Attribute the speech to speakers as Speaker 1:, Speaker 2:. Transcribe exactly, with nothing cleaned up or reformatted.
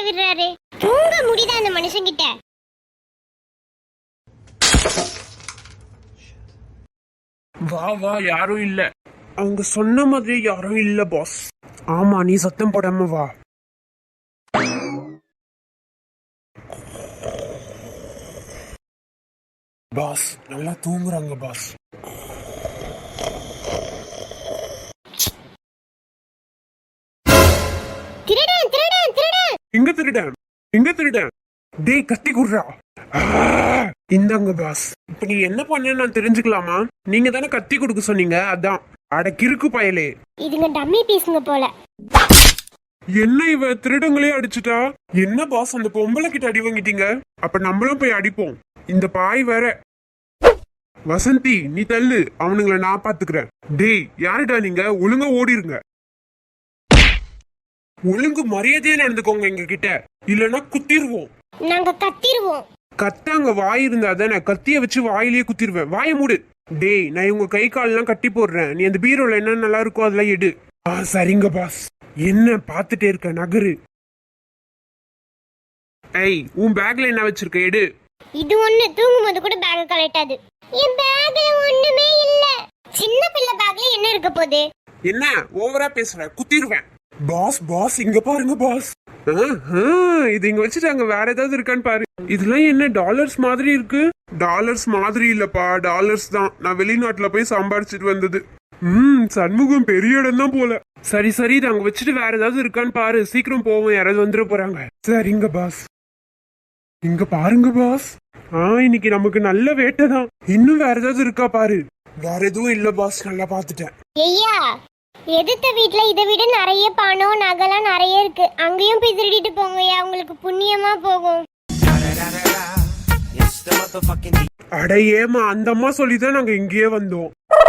Speaker 1: விடுறாரு. தூங்க முடியுதா அந்த மனுஷங்கிட்ட?
Speaker 2: வா வா, யாரும் இல்ல. அவங்க சொன்ன மாதிரி யாரும் இல்ல பாஸ். ஆமா, நீ சத்தம் போடாம வா. பாஸ் நல்லா தூங்குறாங்க பாஸ்.
Speaker 1: திருடன் திருடன் திருடன்.
Speaker 2: எங்க திருடன்? எங்க திருடன்? டேய் கத்தி குடுறா. இந்தாங்க பாஸ். இப்ப நீ என்ன பண்ண நான் தெரிஞ்சுக்கலாமா? நீங்க தானே கத்தி கொடுக்க சொன்னீங்க, அதான். அட கிறுக்கு பயலே.
Speaker 1: இதுங்க டம்மி பீஸ்ங்க போல.
Speaker 2: என்ன இவ திருடங்களே அடிச்சுட்டா? என்ன பாஸ், அந்த பொம்பளை கிட்ட அடி வாங்கிட்டீங்க? அப்ப நம்மளும் போய் அடிப்போம். இந்த பாய் வேற. வசந்தி நீ தள்ளு, அவனுங்களை நான் பாத்துக்கிறேன். டேய் யாருடா நீங்க? ஒழுங்கா ஓடிருங்க. ஒழுங்கு மரியாதையா நடந்துக்கோங்க எங்க கிட்ட, இல்லன்னா குத்திடுவோம்.
Speaker 1: நாங்க கத்திடுவோம்.
Speaker 2: கத்தாங்க வாய் இருந்தா தானே, கத்திய வச்சு வாயிலேயே குத்திடுவேன். வாய மூடு. டேய் நான் இவங்க கை கால் எல்லாம் கட்டி போடுறேன், நீ அந்த பீரோல என்ன நல்லா இருக்கோ அதெல்லாம் எடு. ஆ சரிங்க பாஸ். என்ன பாத்துட்டே இருக்க, நகரு. ஏய் உன் பேக்ல என்ன வச்சிருக்க, எடு.
Speaker 1: இது ஒண்ணு தூங்கும் போது கூட பேக் கலட்டாது. என் பேக்ல ஒண்ணுமே இல்ல. சின்ன பிள்ளை பேக்ல என்ன இருக்க போகுது?
Speaker 2: என்ன ஓவரா பேசுற, குத்திடுவேன். பாஸ் பாஸ் இங்க பாருங்க பாஸ். இது இங்க வச்சுட்டாங்க, வேற ஏதாவது இருக்கான்னு பாரு. இதெல்லாம் என்ன டாலர்ஸ் மாதிரி இருக்கு? டாலர்ஸ் மாதிரி இல்லப்பா, டாலர்ஸ் தான். நான் வெளிநாட்டுல போய் சம்பாரிச்சிட்டு வந்தது. ம் சண்முகம் பெரிய இடம் தான் போல. சரி சரி, இது அங்க வச்சுட்டு வேற ஏதாவது இருக்கான்னு பாரு. சீக்கிரம் போவோம், யாராவது வந்துட போறாங்க. சரிங்க பாஸ். இங்க பாருங்க பாஸ். ஆ இன்னைக்கு நமக்கு நல்ல வேட்டை தான். இன்னும் வேற ஏதாவது இருக்கா பாரு. வேற எதுவும் இல்ல பாஸ், நல்லா பாத்துட்டேன்.
Speaker 1: ஐயா எதிர்த்த வீட்ல இதை விட நிறைய பணம் நகைலாம் நிறைய இருக்கு, அங்கேயும் போய் திருடிட்டு போங்கய்யா, உங்களுக்கு புண்ணியமா போகும்.
Speaker 2: அட ஏமா, அந்த அம்மா சொல்லிதான் நாங்க இங்கேயே வந்தோம்.